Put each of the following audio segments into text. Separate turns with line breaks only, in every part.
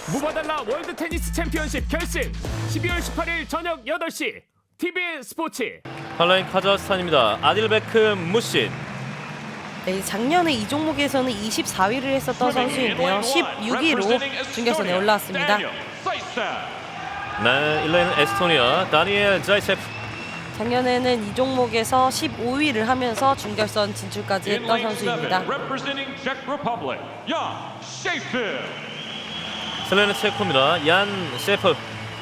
무바달라 월드 테니스 챔피언십 결승 12월 18일 저녁 8시 TBN 스포츠.
팔라인 카자흐스탄입니다. 아딜베크 무신.
네, 작년에 이 종목에서는 24위를 했었던 선수인데요. 16위로 준결선에 올라왔습니다.
네, 1레인은 에스토니아 다니엘 자이체프.
작년에는 이 종목에서 15위를 하면서 준결선 진출까지 했던 선수입니다.
슬레는 체코입니다. 얀 셰프.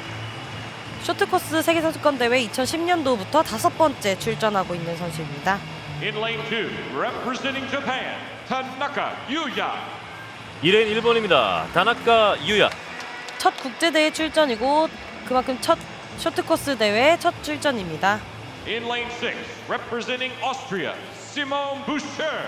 쇼트코스 세계선수권대회 2010년도부터 5번째 출전하고 있는 선수입니다.
In lane 2, representing Japan, Tanaka Yuya.
2레인 일본입니다. 다나카 유야.
첫 국제대회 출전이고 그만큼 첫 쇼트코스 대회 첫 출전입니다.
In lane 6, representing Austria, Simone Boucher.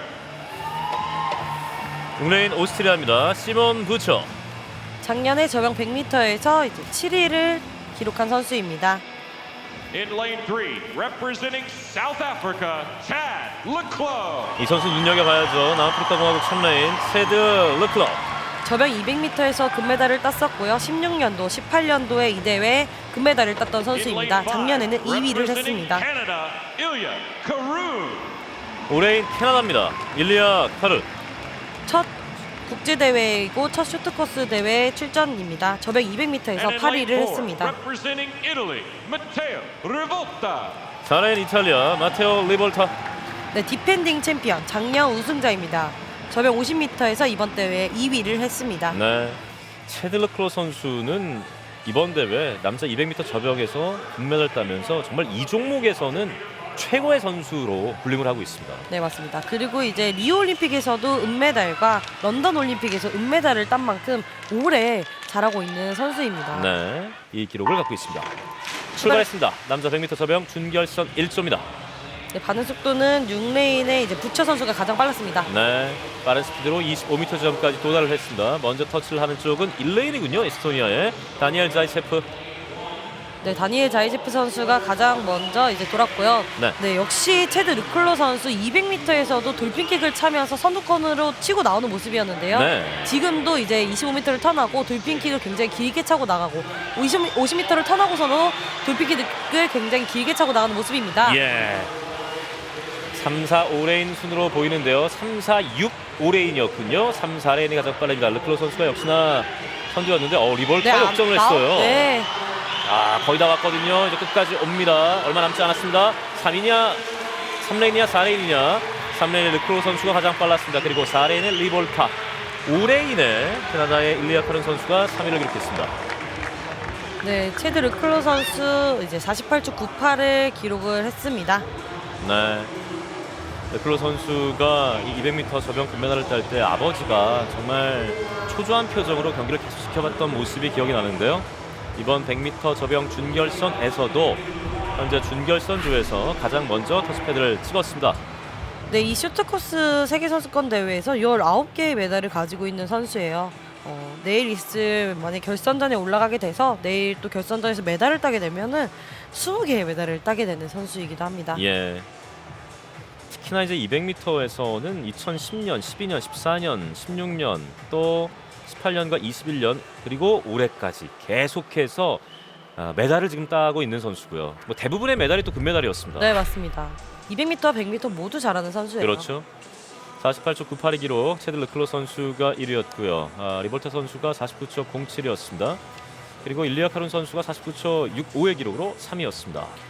6레인 오스트리아입니다. 시몬 부처.
작년에 저병 100m에서 이제 7위를 기록한 선수입니다.
In lane 3, representing South Africa, Chad Leclerc.
이 선수 눈여겨봐야죠. 남아프리카 공화국 3레인 체드 르클럽.
저병 200m에서 금메달을 땄었고요. 16년도, 18년도에 이 대회 금메달을 땄던 선수입니다. 작년에는 2위를 했습니다.
Canada, Ilya Carew.
5레인 캐나다입니다. 일리아 카르.
첫 국제대회이고 첫 쇼트코스 대회 출전입니다. 저병 200m에서 8위를 했습니다.
Representing Italy, Matteo Rivolta.
4레인 이탈리아 마테오 리볼타.
네, 디펜딩 챔피언, 작년 우승자입니다. 저병 50m에서 이번 대회에 2위를 했습니다.
네, 체드 르클럽 선수는 이번 대회 남자 200m 저병에서 금메달 따면서 정말 이 종목에서는 최고의 선수로 불림을 하고 있습니다.
네, 맞습니다. 그리고 이제 리오 올림픽에서도 은메달과 런던 올림픽에서 은메달을 딴 만큼 오래 잘하고 있는 선수입니다.
네, 이 기록을 갖고 있습니다. 출발했습니다. 남자 100m 저병 준결선 1조입니다.
네, 반응 속도는 6레인의 이제 부처 선수가 가장 빨랐습니다.
네, 빠른 스피드로 25m 지점까지 도달을 했습니다. 먼저 터치를 하는 쪽은 1레인이군요. 에스토니아의 다니엘 자이체프.
네, 다니엘 자이제프 선수가 가장 먼저 이제 돌았고요.
네.
네, 역시 체드 르클로 선수 200m에서도 돌핀킥을 차면서 선두권으로 치고 나오는 모습이었는데요.
네.
지금도 이제 25m를 턴하고 돌핀킥을 굉장히 길게 차고 나가고 50m를 턴하고서도 돌핀킥을 굉장히 길게 차고 나가는 모습입니다.
예. 3, 4, 5레인 순으로 보이는데요. 3, 4, 6, 5레인이었군요. 3, 4레인이 가장 빠릅니다. 르클로 선수가 역시나 선두였는데 리볼타 역전을 했어요.
네.
거의 다 왔거든요. 이제 끝까지 옵니다. 얼마 남지 않았습니다. 3이냐, 3레인이냐, 4레인이냐. 3레인의 르클로 선수가 가장 빨랐습니다. 그리고 4레인의 리볼타, 5레인의 캐나다의 일리아 카른 선수가 3위를 기록했습니다.
네, 체드 르클로 선수 이제 48초 98을 기록을 했습니다.
네. 르클로 선수가 이 200m 저병 금메달을 딸 때 아버지가 정말 초조한 표정으로 경기를 계속 지켜봤던 모습이 기억이 나는데요. 이번 100m 저병 준결선에서도 현재 준결선조에서 가장 먼저 터치패드를 찍었습니다.
네, 이 쇼트코스 세계선수권 대회에서 19개의 메달을 가지고 있는 선수예요. 내일 있을 만약 결선전에 올라가게 돼서 내일 또 결선전에서 메달을 따게 되면은 20개의 메달을 따게 되는 선수이기도 합니다.
예. 특히나 이제 200m에서는 2010년, 12년, 14년, 16년 또 18년과 21년 그리고 올해까지 계속해서 메달을 지금 따고 있는 선수고요. 뭐 대부분의 메달이 또 금메달이었습니다.
네, 맞습니다. 200m와 100m 모두 잘하는 선수예요.
그렇죠. 48초 98의 기록 체드 르클로 선수가 1위였고요. 리볼타 선수가 49초 07이었습니다. 그리고 일리아 카룬 선수가 49초 65의 기록으로 3위였습니다.